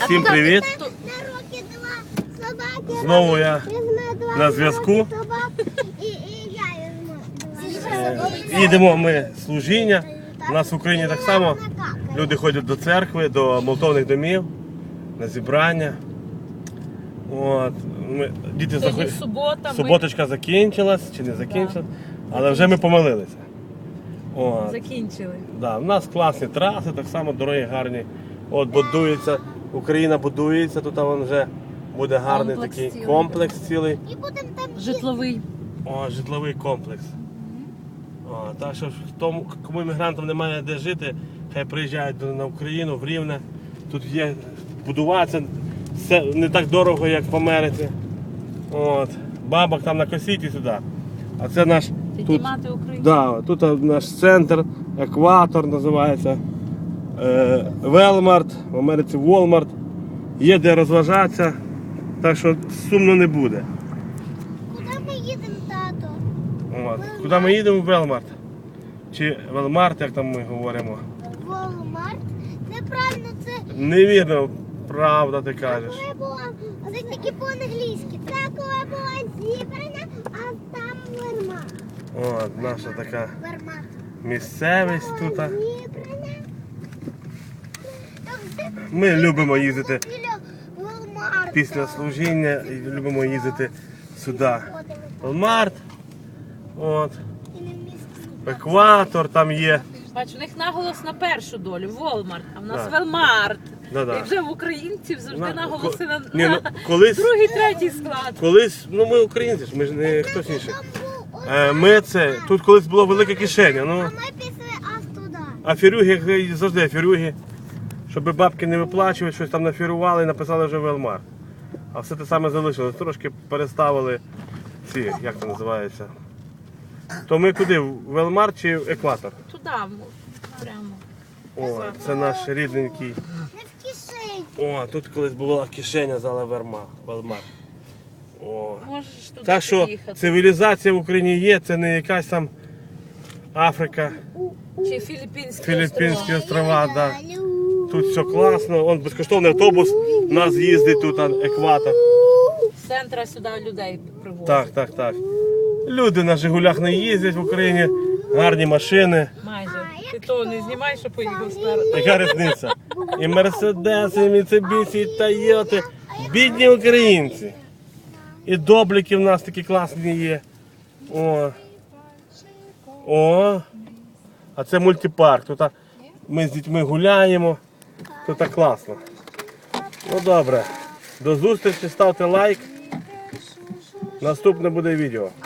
Всім привіт! Знову я на зв'язку. Їдемо ми служіння. У нас в Україні так само люди ходять до церкви, до молитовних домів, на зібрання. От. Діти суботочка закінчилась чи не закінчилась, але вже ми помолилися. От. Закінчили. Да, у нас класні траси, так само дороги гарні. От будується, Україна будується, тут вже буде гарний Комплекс такий цілий. комплекс цілий. Житловий. О, житловий комплекс. О, так що тому, кому іммігрантам немає де жити, хай приїжджають на Україну, в Рівне. Тут є будуватися, все не так дорого, як в Америці. От. Бабок там на косіті сюди. А це наш тут, Піднімати Україну. да, тут наш центр, екватор називається. Велмарт, в Америці Walmart. Є де розважатися, так що сумно не буде. Куди ми їдемо, тато? От. Куди ми їдемо? В Велмарт. Чи Велмарт, як там ми говоримо. Walmart? Неправильно, це Невірно, правда ти кажеш. коли була, це тільки по-англійськи. Це коли була зібрана, а там Walmart. От, наша така Walmart. місцевість тут. Зібрана. Ми любимо їздити Біля Walmart. після служіння і любимо їздити сюди. Велмарт, от, І не в місті. екватор там є. Бач, у них наголос на першу долю, Волмарт, а в нас Да. Велмарт. Да-да. І вже в українців завжди наголоси на, Ні, ну, на колись, другий, третій склад. колись, ну ми українці ж, ми ж не хтось інший. Там був Ми це, тут колись було велике кишеня, ну, А ми пішли аж туди. аферюги, як завжди аферюги, щоб бабки не виплачувати, щось там нафірували і написали вже Велмар. А все те саме залишилось, трошки переставили ці, як це називається. То ми куди, в Велмар чи в екватор? Туди, прямо. О, це наш рідненький. Не в кишені. О, тут колись була кишеня зала Велмар. О. Можеш туди Так що їхати. цивілізація в Україні є, це не якась там Африка, Чи Філіппінські Філіппінські острова. острова, да. Тут все класно, он безкоштовний автобус, у нас їздить тут екватор. З центра сюди людей привозять. Так, так, так. Люди на Жигулях не їздять в Україні, гарні машини. Майже. Ти то не знімай, що поїхав спереду. Яка різниця? І Мерседеси, і Міцебісі, і Тойоти. Бідні українці. І добліки в нас такі класні є. О. О. А це мультипарк. Тут ми з дітьми гуляємо. Тут так класно. Ну добре. До зустрічі, ставте лайк. Наступне буде відео.